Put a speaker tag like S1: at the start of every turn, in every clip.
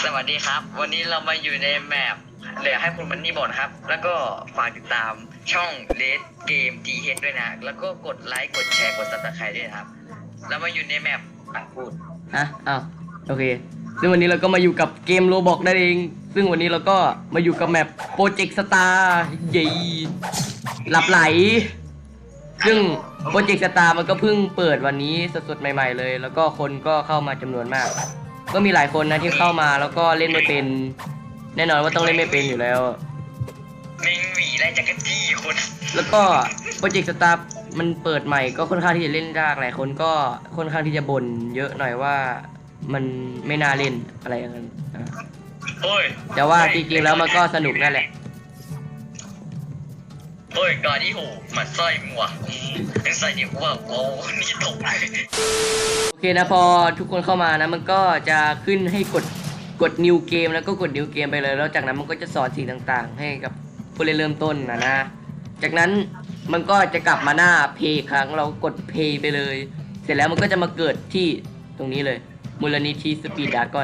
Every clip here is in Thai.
S1: สวัสดีครับวันนี้เรามาอยู่ในแมปเหลือให้คุณมันนี่บอกนะครับ แล้วก็ฝากติดตามช่อง Red Game TH ด้วยนะ แล้วก็กดไลค์กดแชร์กด Subscribe ด้วยนะครับเรามาอยู่ในแมปพูด
S2: อ้าวโอเคซึ่งวันนี้เราก็มาอยู่กับเกมโรบอกนั่นเองซึ่งวันนี้เราก็มาอยู่กับแมปโปรเจกต์สตาร์เย่หลับไหลซึ่งโปรเจกต์สตาร์มันก็เพิ่งเปิดวันนี้สดๆใหม่ๆเลยแล้วก็คนก็เข้ามาจำนวนมากก็มีหลายคนนะที่เข้ามาแล้วก็เล่นไม่เป็นแน่นอนว่าต้องเล่นไม่เป็นอยู่แล้ว
S1: ไม่หวีไรจักรจี้คน
S2: แล้วก็โปรเจกต์สตาร์มันเปิดใหม่ก็ค่อนข้างที่จะเล่นยากหลายคนก็ค่อนข้างที่จะบ่นเยอะหน่อยว่ามันไม่น่าเล่นอะไรอย่างนั้นแต่ว่าจริงๆแล้วมันก็สนุกนั่นแหละ
S1: กอที่หูมันสร้อยมัวเป็นใส่เดี๋ยวว่าโอ้นี่ตกเลย
S2: โอเคนะพอทุกคนเข้ามานะมันก็จะขึ้นให้กด new game แล้วก็กด new game ไปเลยแล้วจากนั้นมันก็จะสอนสิ่งต่างๆให้กับผู้เล่นเริ่มต้นนะจากนั้นมันก็จะกลับมาหน้า play ครั้งเรากด play ไปเลยเสร็จแล้วมันก็จะมาเกิดที่ตรงนี้เลยมูลนิธิสปีดดากอน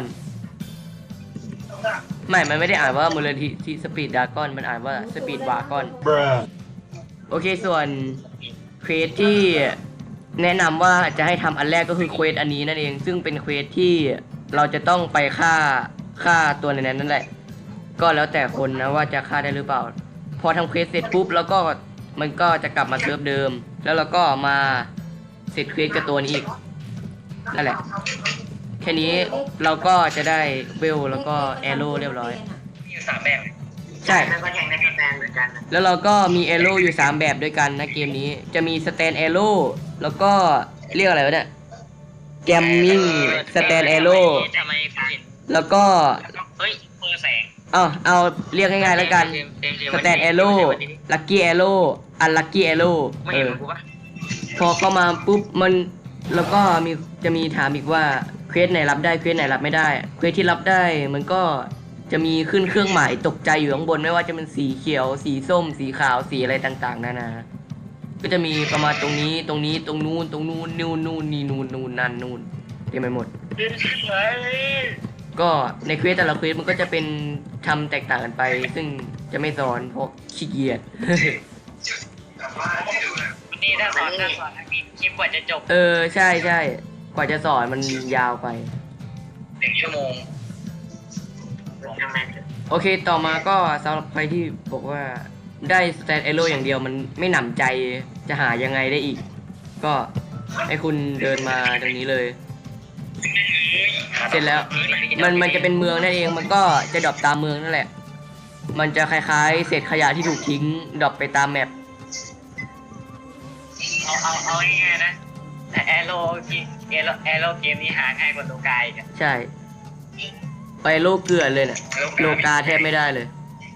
S2: มันไม่ได้อ่านว่ามูลนิธิสปีดดากอนมันอ่านว่าสปีดวากอนโอเคส่วนเควสที่แนะนำว่าจะให้ทำอันแรกก็คือเควสอันนี้นั่นเองซึ่งเป็นเควสที่เราจะต้องไปฆ่าตัวในนั้นนั่นแหละก็แล้วแต่คนนะว่าจะฆ่าได้หรือเปล่าพอทำเควสเสร็จปุ๊บแล้วก็มันก็จะกลับมาเซิร์ฟเดิมแล้วเราก็มาเสร็จเควสกับตัวนี้อีกนั่นแหละแค่นี้เราก็จะได้เวลแล้วก็แอโร่เรียบร้อย
S1: มีอยู่3แบบ
S2: ใช่
S1: แล้วก็แทงในสแตนเหมือนกัน
S2: แล้วเราก็มีแอโร่อยู่3แบบด้วยกันนะเกมนี้จะมีสแตนแอโร่แล้วก็เรียกอะไรวะเนี่ยแกมมิ่งสแตนแอโร่แล้วก็
S1: มือแสง
S2: เอาเรียกง่ายๆแล้วกันสแตนแอโร่ลัคกี้แอโร่อันลัคกี้แอโร่พอเข้ามาปุ๊บมันแล้วก็จะมีถามอีกว่าเควสไหนรับได้เควสไหนรับไม่ได้เควสที่รับได้มันก็จะมีขึ้นเครื่องหมายตกใจอยู่ข้างบนไม่ว่าจะเป็นสีเขียวสีส้มสีขาวสีอะไรต่างๆนานาก็จะมีประมาณตรงนี้ตรงนู้นนู่นนี่นู่นนั่นนู่นเต็มไปหมดก็ในเควสแต่ละเควสมันก็จะเป็นทำแตกต่างกันไปซึ่งจะไม่สอนเพราะขี้เกียจ
S1: นี่ถ้าสอนมีคลิปกว่าจะจบ
S2: ใช่กว่าจะสอนมันยาวไป
S1: 1 ชั่วโมง
S2: โอเคต่อมาก็สำหรับใครที่บอกว่าได้สแตนเอโร่อย่างเดียวมันไม่หนำใจจะหายังไงได้อีกก็ให้คุณเดินมาตรงนี้เลยเสร็จแล้วมันจะเป็นเมืองนั่นเองมันก็จะดรอปตามเมืองนั่นแหละมันจะคล้ายๆเศษขยะที่ถูกทิ้งดรอปไปตามแมป
S1: เอาง่ายๆนะแต่แอโร่เกมนี้หาง่ายกว่าโลกาอีก
S2: ใช่ไปโลกเกลือเลยเนี่ยโลกาแทบไม่ได้เลย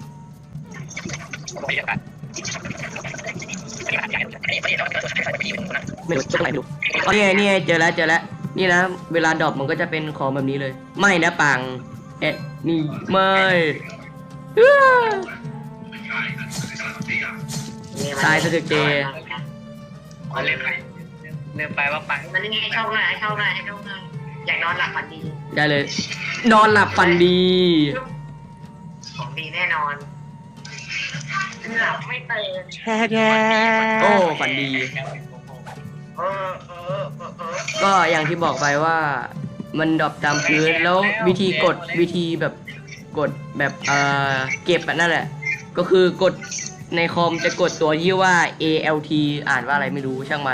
S2: ไม่รู้จะไปดูนี่เจอแล้วนี่นะเวลาดรอปมันก็จะเป็นของแบบนี้เลยไม่นะปังนี่ไม่ตายสะดึกเจ
S1: เริ่มไปว่าปังมันนี่ให้เข้าง่ายอยากนอนหลับฝันดี
S2: ได้เลยนอนหลับฝันดี
S1: ของดีแน่นอนหลับไม่ตื่น
S2: โอ้ฝันดีก็อย่างที่บอกไปว่ามันดรอปตามพื้นแล้ววิธีแบบกดแบบเก็บนั่นแหละก็คือกดในคอมจะกดตัวที่ว่า ALT อ่านว่าอะไรไม่รู้ช่างมัน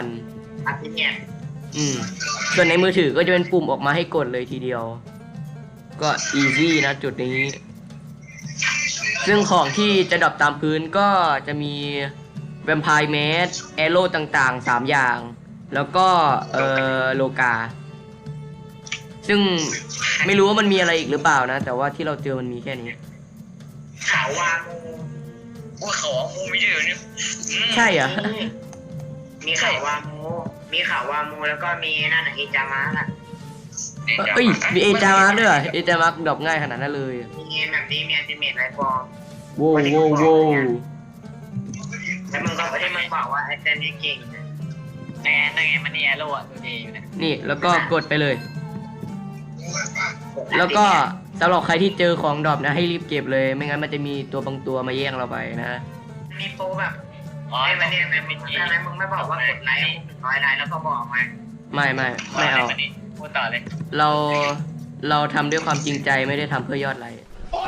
S2: ส่วนในมือถือก็จะเป็นปุ่มออกมาให้กดเลยทีเดียวก็ easy นะจุดนี้ซึ่งของที่จะดรอปตามพื้นก็จะมีแวมไพร์แมสแอโร่ต่างๆ3อย่างแล้วก็โลกาซึ่งไม่รู้ว่ามันมีอะไรอีกหรือเปล่านะแต่ว่าที่เราเจอมันมีแค่นี้
S1: ขาวามูเขามูไม่ได้เนี่ย
S2: ใช่เหรอ
S1: มีขาวามูแล้วก็มีนั่นเอจามาร์ก
S2: มีเอจามาร์กด้วยเอจามาร์กดรอปง่ายขนาดนั้นเลย
S1: มีแบบนี้มีอัลติเมทไรฟอร์ม
S2: โว้
S1: แล้วมึงก็ไม่ได้บอกว่าไอ้แซนนี่เก่งนั่นไงมันนี่แอโร่ตัวดีอยู่นะ
S2: นี่แล้วก็กดไปเลยแล้วก็สำหรับใครที่เจอของดรอปนะให้รีบเก็บเลยไม่งั้นมันจะมีตัวบางตัวมาแย่งเราไปนะ
S3: มีโปรแบบไอ้มันเนี่ยเป็นทำไมมึงไม่บอกว่ากดไลค์100 ไลค์แล้วก็บอกมา
S2: ไม่เอา
S1: พูดต่อเลย
S2: เราทำด้วยความจริงใจไม่ได้ทำเพื่อยอดไลค์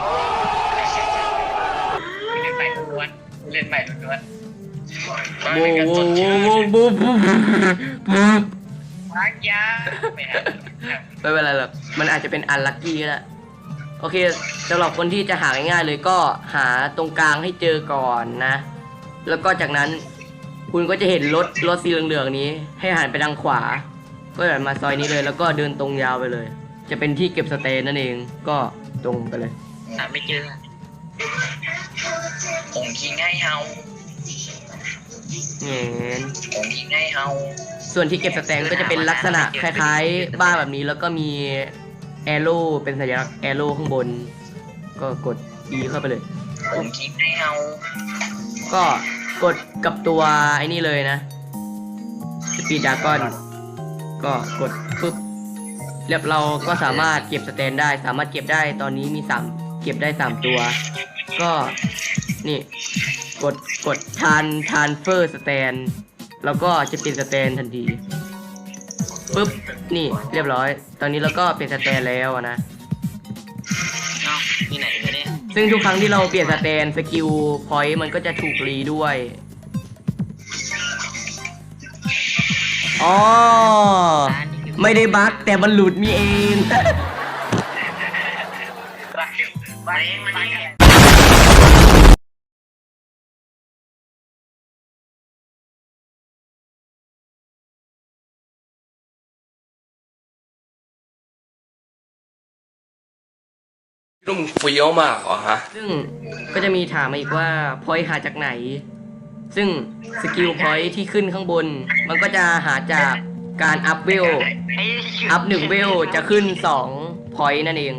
S1: เล่นใหม่ล้วนเล่นใหม่ล้วน
S2: โว้โว้โว้โว้โว้โว้
S1: รักยาไม่ฮะ
S2: ไม่เป็นไรหรอกมันอาจจะเป็นอันลัคกี้ก็ได้โอเคสำหรับคนที่จะหาง่ายๆเลยก็หาตรงกลางให้เจอก่อนนะ แล้วก็จากนั้นคุณก็จะเห็นรถสีเหลืองๆนี้ ให้หันไปทางขวา ก็หันมาซอยนี้เลย แล้วก็เดินตรงยาวไปเลย จะเป็นที่เก็บสเตนนั่นเองก็ตรงไปเลย
S1: หาไม่เจอผมทิ้งให้เฮา
S2: เงี้ย
S1: ผมทิ้งให้เฮา
S2: ส่วนที่เก็บสแตนก็จะเป็นลักษณะคล้ายๆบ้านแบบนี้แล้วก็มีแอโร่เป็นสัญลักษณ์แอโร่ข้างบน ก็กด E เข้าไปเลย
S1: ผมทิ้งให้เฮา
S2: ก็กดกับตัวไอ้นี่เลยนะสปีดดากอนก็กดปึ๊บเรียบเราก็สามารถเก็บสแตนได้สามารถเก็บได้ตอนนี้มี3เก็บได้3ตัว ก็นี่กดทานเฟอร์สแตนแล้วก็จะเป็นสแตนทันทีปึ๊บนี่เรียบร้อย ตอนนี้เราก็เป็นสแตนแล้วนะ
S1: เอ้าที่ไหนเนี่ย
S2: ซึ่งทุกครั้งที่เราเปลี่ยนสแตนสกิลพอยต์มันก็จะถูกรีด้วยอ๋อไม่ได้บั๊กแต่มันหลุดมีเอง
S3: มันนี่
S4: นุ่มเฟี้ยวมากเหรอฮะ
S2: ซึ่งก็จะมีถามมาอีกว่าพอยต์หาจากไหน ซึ่งสกิลพอยต์ที่ขึ้นข้างบน มันก็จะหาจากการอัพเวลอัพ1เวลจะขึ้น2พอยต์นั่นเอง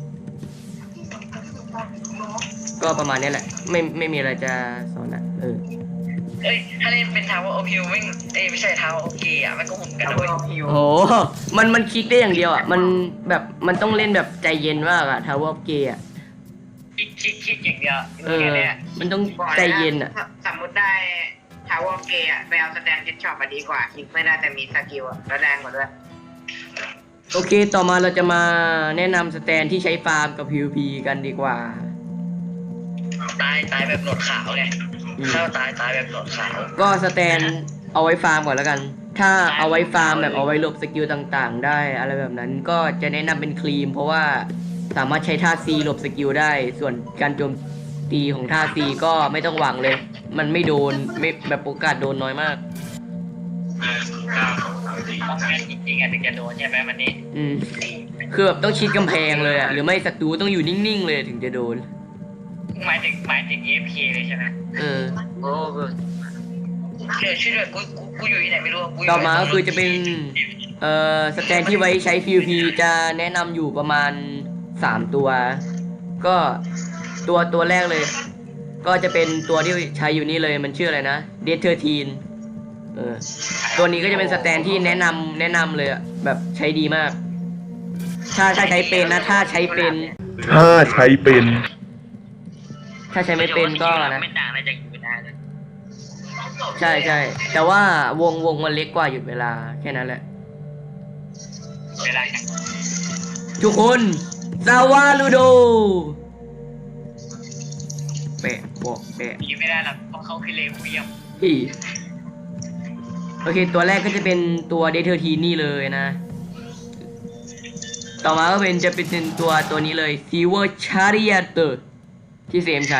S2: ก็ประมาณนี้แหละ ไม่มีอะไรจะสอนละ
S1: เอ้ยถ้าเล่นเป็นทาวเวอร์โอพิวไม่ใช่ทาวเวอร์โอเกะมันก็หุ่นกันด้วย
S2: โอ้โหมันคลิกได้อย่างเดียวอ่ะมันแบบมันต้องเล่นแบบใจเย็นมากอ่ะทาวเวอร์เกย์อ่ะ
S1: คิดอย่างเดียว
S2: มันต้องใจเย็นอ่ะ
S3: สมมติได้ทาวเวอร์เกย์ไปเอาสแตนเฮดช็อปมาดีกว่าคลิกไม่ได้แต่มีสกิลแล้วแรงกว่าด้วย
S2: โอเคต่อมาเราจะมาแนะนำสแตนที่ใช้ฟาร์มกับ PVP กันดีกว่า
S1: ตายแบบหนวดขาวไงเข้าตายแบบหนวดขาว
S2: ก็สแตนเอาไว้ฟาร์มก่อนแล้วกัน ถ้าเอาไว้ฟาร์มแบบเอาไว้หลบสกิลต่างๆ ได้อะไรแบบนั้นก็จะแนะนำเป็นครีม เพราะว่าสามารถใช้ท่า C หลบสกิลได้ ส่วนการโจมตีของท่า C ก็ไม่ต้องหวังเลย มันไม่โดนไม่แบบโอกาสโดนน้อยมาก
S1: ต้องการจริงๆถึงจะโดนใช่ไหมมันนี่
S2: คือแบบต้องชิดกำแพงเลยอ่ะหรือไม่ศัตรูต้องอยู่นิ่งๆเลยถึงจะโดน
S1: หมายถึง AFK เลยใช่ไหมโอ้เดี๋ยวช่วยด้วยกูอยู่ที่ไหนไม่รู้
S2: ต่อมาก็คือจะเป็นสแตนที่ไว้ใช้ PVP จะแนะนำอยู่ประมาณ3ตัวก็ตัวแรกเลย ก็จะเป็นตัวที่ใช้อยู่นี่เลยมันชื่ออะไรนะ Death 13ตัวนี้ก็จะเป็นสแตนที่แนะนำเลยอ่ะแบบใช้ดีมากถ้าใช้เป็นนะถ้าใช้ไม่เป็นก็นะ
S1: ไม่ต่างอะไรจากอยู่ได้เลย
S2: ใช่แต่ว่าวงมันเล็กกว่าหยุดเวลาแค่นั้นแหละ
S1: เวลา
S2: ทุกคนซาวาลูโดแปะบอกแปะ
S1: ตีไม่ได้หรอกเพราะเขาคือเลวเยี่ยม
S2: พี่โอเคตัวแรกก็จะเป็นตัวเดเทอร์ทีนี่เลยนะ ต่อมาก็จะเป็นตัวนี้เลยซีเวอร์ชาริอาเตอร์ที่เซมใช้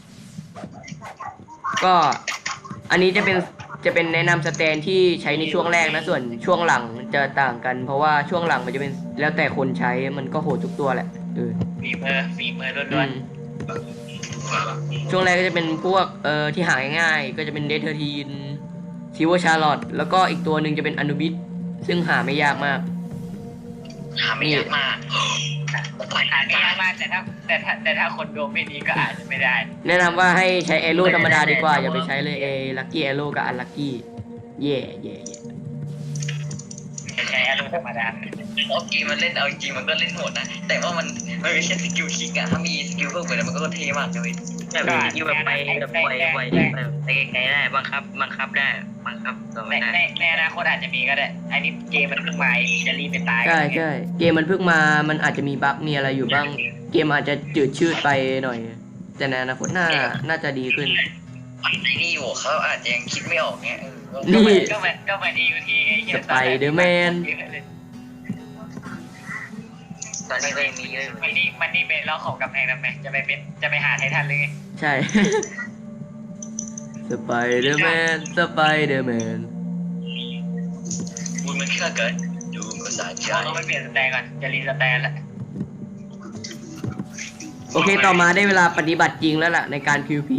S2: ก็อันนี้จะเป็นแนะนำสแตนที่ใช้ในช่วงแรกนะส่วนช่วงหลังจะต่างกันเพราะว่าช่วงหลังมันจะเป็นแล้วแต่คนใช้มันก็โหดทุกตัวแหละ
S1: ฝีมือล้วน
S2: ๆช่วงแรกก็จะเป็นพวกที่หาง่ายๆก็จะเป็นเดเทอร์ทีนซีเวอร์ชาร์ลอตแล้วก็อีกตัวหนึ่งจะเป็นอนุบิสซึ่งหาไม่ยากมาก
S1: หาไม่ยากมากแต่ถ้าคนดวงไม่ดีก็อาจจะไม่ได้
S2: แนะนำว่าให้ใช้แอโร่ธรรมดาดีกว่าอย่าไปใช้เลยลัคกี้แอโร่กับอันลัคกี้เย่
S1: ใช้แอโร่ธรรมดาโอเคมันเล่นเอาจริงมันก็เล่นโหดนะแต่ว่ามันมันไม่ใช่สกิลคิกอะถ้ามีสกิลเพิ่มไปแล้วมันก็เท่มากเลยแบบสกิลแบบไปแบบปล่อยแบบไปไกลได้บังคับได้บังคับตัวไม่ได้ในอนาคตอาจจะมีก็ได้อันนี้เกมมันเพิ่งมาจะรีบไปตาย
S2: ใช่ใช่เกมมันเพิ่งมามันอาจจะมีบั๊กมีอะไรอยู่บ้าง เกมอาจจะจืดชืดไปหน่อย แต่ในอนาคตน่าจะดีขึ้น
S1: ไอ้นี่อยู่เขาอาจจะยังคิดไม่ออกเงี้ย
S2: นี่
S1: ก็เหมือน EUT ไอ้เหี้ย
S2: สไปเดอร์แมน
S1: ตอนนี้ก็ยังมีเยอะมันนี่เป็นล้อของกำแพงทำไมจะไปหาไททันเลยไง
S2: ใช่ สไปเดอร์แมนสไปเดอร์แมน
S1: บุญมันแค่เกิดดูก็สะใจเราไปเปลี่ยนสแตนก่อนจะรีสแตนแล้ว
S2: โอเคต่อมาได้เวลาปฏิบัติจริงแล้วล่ะในการ PVP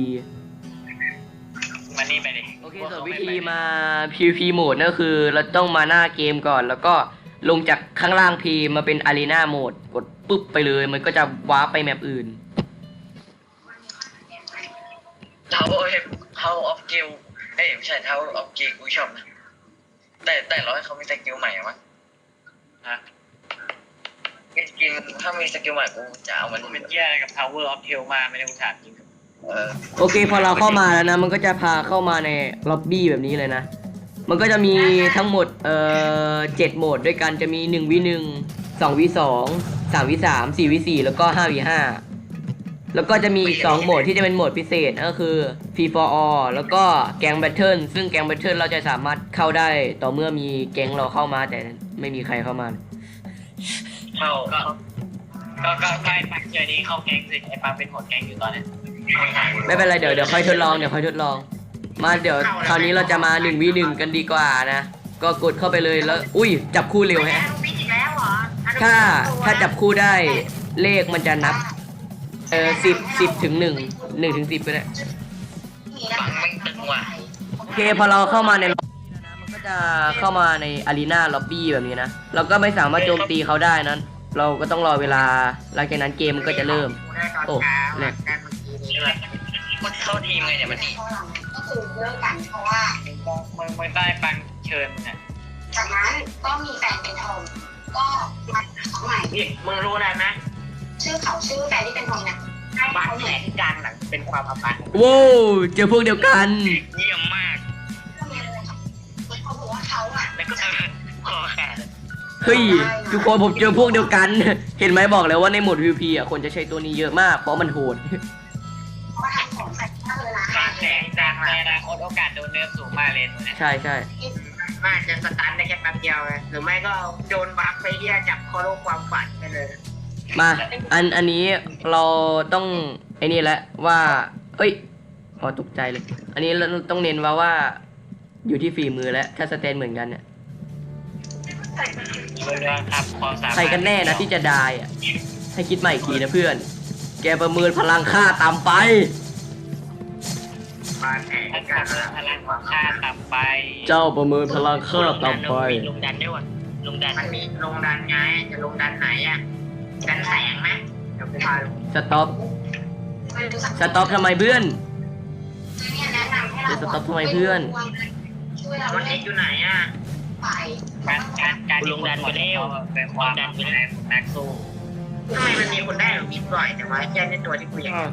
S1: มันนี่ไปดิ
S2: โอเคส่วนวิธีมา PVP โหมดก็คือเราต้องมาหน้าเกมก่อนแล้วก็ลงจากข้างล่าง P มาเป็น Arena โหมดกดปุ๊บไปเลยมันก็จะว้าร์ปไปแมปอื่น
S1: Tower of Gale เอ้ยไม่ใช่ Tower of Gale กูชอบนะแต่เราให้เขามีสกิลใหม่มั้ยฮะสกิลถ้ามีสกิลใหม่กูจะเอามันเป็นเหี้ยอะไรกับ Tower of Gale มาไม่ได้กูถามจริง
S2: โอเคพอเราเข้ามาแล้วนะมันก็จะพาเข้ามาในล็อบบี้แบบนี้เลยนะมันก็จะมีทั้งหมด7โหมดด้วยกันจะมี 1v1 2v2 3v3 4v4 แล้วก็ 5v5 แล้วก็จะมีอีก2โหมดที่จะเป็นโหมดพิเศษก็คือ Free for all แล้วก็แก๊งแบทเทิลซึ่งแก๊งแบทเทิลเราจะสามารถเข้าได้ต่อเมื่อมีแก๊งเราเข้ามาแต่ไม่มีใครเข้ามา
S1: ก็ไปปักเจอนี้เข้าแก๊งสิไอ้ปังเป็นหัวแก๊งอยู่ตอนนี้
S2: ไม่เป็นไรเดี๋ยวค่อยทดลองมาเดี๋ยวคราวนี้เราจะมา 1v1 กันดีกว่านะก็กดเข้าไปเลยแล้วอุ้ยจับคู่เร็วแฮะถ้าจับคู่ได้เลขมันจะนับ10ถึง1ถึง10ก็ได้
S1: ปังไม่ตึงว่ะ
S2: โอเคพอเราเข้ามาในล็อบบี้แล้วนะมันก็จะเข้ามาในอารีนาล็อบบี้แบบนี้นะเราก็ไม่สามารถโจมตีเขาได้นั้นเราก็ต้องรอเวลาหลังจากนั้นเกมมันก็จะเริ่มโอ้แหลก
S1: มันเข้าทีมไงเนี่ยมันดี
S5: ก็คือเลิกกันเพราะว่า
S1: มึงได้ปังเชิญมึงอ่ะ
S5: จากนั้นก็มีแฟนเป็นทอมก็มาของใหม่
S1: นี่มึงรู้อะไรไหม
S5: ชื่อแฟนที่เป็นทอมเนี่ย
S1: บาดแผลที่กลางหลังเป็นความอับอาย
S2: ว้าวเจอพวกเดียวกัน
S1: เยี่ยมมาก
S5: ก็มีอะไรครับเขาบอกว่าเขาอ่ะ
S1: แล้วก็คอแขน
S2: เฮ้ยทุกคนผมเจอพวกเดียวกันเห็นไหมบอกแล้วว่าในโหมด PVP อ่ะคนจะใช้ตัวนี้เยอะมากเพราะมันโหด
S5: มาทำของใส่ข้าวเลยนะ
S1: บาดแผลกลางในอนาคตโอกาสโดนเนื้อสูงมากเลยตัวนี้
S2: ใช่
S1: น่าจะสตันได้แค่แป๊บเดียวหรือไม่ก็โดนบัฟไปเหี้ยจับคอโลความฝันไปเลย
S2: มาอันนี้เราต้องไอ้นี่แหละว่าเอ้ยพอตกใจเลยอันนี้เราต้องเน้นว่าอยู่ที่ฝีมือแล้วถ้าสเตนเหมือนกันเนี่ยใครกันแน่นะที่จะได้อะให้คิดใหม่อีกทีนะเพื่อนแกประเมินพลังค่าต่ำไป
S1: พลังค่าต่ำไป
S2: เจ้าประเมินพลังค่าต่ำไป
S1: ลงดันได้วะลงดันมันมีลงดันไงจะลงดันไหนอ่ะดันแสงไหมเดี๋ยวกูพาลง
S2: สต็อปทำไมเพื่อนสต็อปทำไมเพื่อน
S1: มันเอ็กอยู่ไหนอ่ะการลงดันไปเร็วเป็นความดันไปแล้วแม็กซูทำไมมันมีคนได้หรือมีปล่อยแต่ว่าแค่ในตัวที่กูอยาก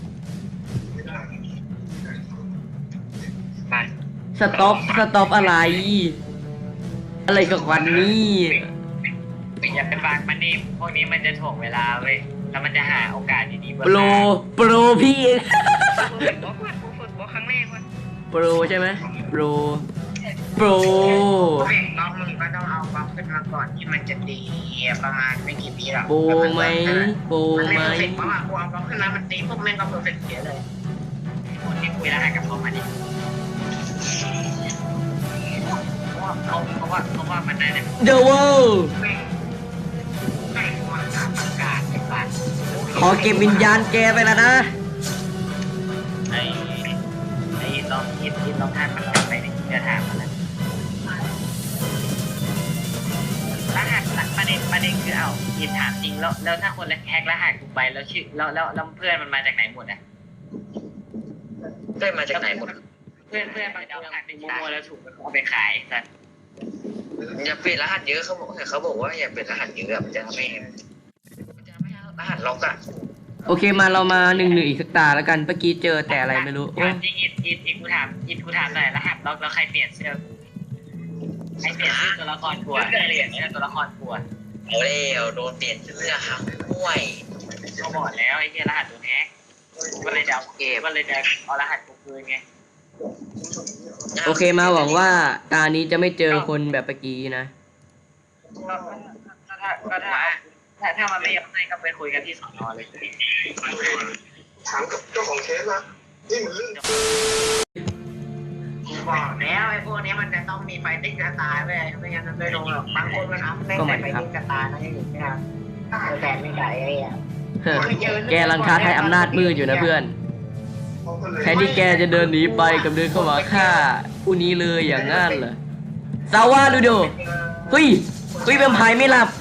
S2: สต็อปอะไรกับวันนี้
S1: อย่าไปฟังมันนี่พวกนี้มันจะถ่วงเวลาเว้ยแล้วมันจะหาโอกาสดีๆ
S2: โปรพี่
S1: ฝึกครั้งแรกวะ
S2: โปรใช่ไหมโปร
S1: น้องมึงก็ต้องเอาบล็อกขึ้นมาก่อนที่มันจะดีประมาณไม่กี่ปีหรอก
S2: โปรไหม
S1: เพราะว่ากูเอาบล็อกขึ้นมามันตีพวกแม่งก็เพอร์เฟกต์เสียเลยคนที่คุยแล้วกับเขามาดิเพราะว่ามันได้
S2: เดอะเวิลด์ขอเก็บวิญญาณแกไปแล้วนะ
S1: ไอ้ลองคิดลองทานมันไปในที่จะถามมันรหัสประเด็นคือยินถามจริงแล้วถ้าคนแฮกรหัสกูไปแล้วชื่อแล้วเพื่อนมันมาจากไหนหมดอ่ะเพื่อนมาจากไหนหมดเพื่อนไปเอารหัสไปมั่วแล้วถูกเอาไปขายสัตว์อย่าเปลี่ยนรหัสเยอะเขาบอกว่าอย่าเปลี่ยนรหัสเยอะมันจะทำให้ร
S3: หัสล็อกอะ
S2: โอเคมาเรามา1-1อีกสักตาแล้วกันเมื่อกี้เจอแต่อะไรไม่รู้โอ้
S3: จริงอิดกูถามหน่อยรหัสล็อกแล้วใครเปลี่ยนเสื้อใครเปลี่ยนเสื้อตัวละครกลัวเปลี่ยนเสื้อตัวละครกลัว
S1: เอาแล้วโดนเปลี่ยนเสื้อครับห่วย
S3: เขาบอกแล้วไอ้เหี้ยรหัสตัวแฮกก็เลยเดาเกมก็เลยเดาเอารหัสกูคืนไง
S2: โอเคมาหวังว่าตานี้จะไม่เจอคนแบบเมื่อกี้นะ
S3: ถ้ามันไม่ยอมให้ก็ไปคุยกันที่สอนอเลย
S6: ถามกับเจ้าของเคสนะนี่มันเรื่อง
S3: บอกแล้วไอ้พวกนี้มันจะต้องมีไฟติ้งกระตายไปไม่งั้นมันไม่ลงหรอกบางคนมันอัพแม่งแต่ไฟติ้งกระตายนะยังอยู่ไม่ได้แต่ไม่ได้ไอ้อะ
S2: แกลังท้าทายอำนาจมืดอยู่นะเพื่อนแทนที่แกจะเดินหนีไปกับเดินเข้ามาฆ่าผู้นี้เลยอย่างงั้นเหรอซาวาดูดูเฮ้ยแวมไพร์ไม่หลับ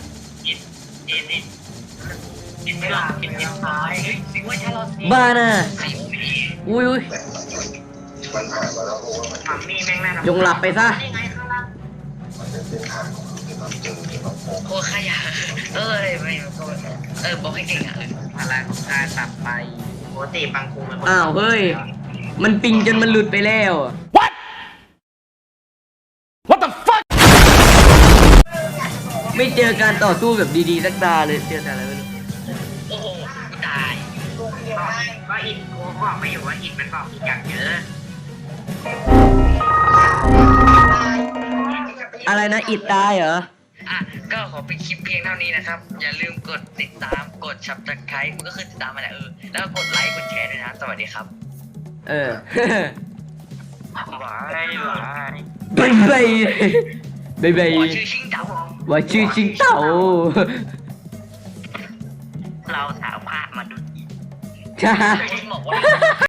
S3: กินไม่หลับกินตายสิว่าถ้าเรา
S2: บ้าน่ะ
S1: ใครอุ้ย
S2: อุ้ย
S6: มันผ่านมาแล้วเพราะว่ามัน
S3: มัมมี่แม่งน่า
S2: จงหลับไปซะ
S3: นี่ไงข้างล่าง
S6: มันเป็นเส้นทางที่เราเจอที่เราพบ
S1: โคตรขยะไม่ก็บอกให้เก่งอ่ะ
S3: พลังของการตัดไปปกติบางครูมัน
S2: อ้าวเฮ้ยมันปิงจนมันหลุดไปแล้ว What the fuck ไม่เจอการต่อสู้แบบดีๆสักตาเลยเจอแต่อะไรไม่รู้
S1: โอ้โหตาย
S3: ก็อินกูบอกไม่อยู่ว่าอินมันบอกอีกอย่างเยอะ
S2: อะไรนะอิดตายเหรอ
S1: อ่ะก็ขอเป็นคลิปเพียงเท่านี้นะครับ อย่าลืมกดติดตามกด Subscribe มันก็คือติดตามมาแหละแล้วก็กดไลค์กดแชร์ด้วยนะสวัสดีครับ
S2: เออ
S1: หวายหวาย
S2: บายบายบายบาย
S1: 我是新导，
S2: ว่าชื่อชิงเต่า
S3: เราสาวภาพมาดู
S2: ใช่
S1: คุณบอกว่า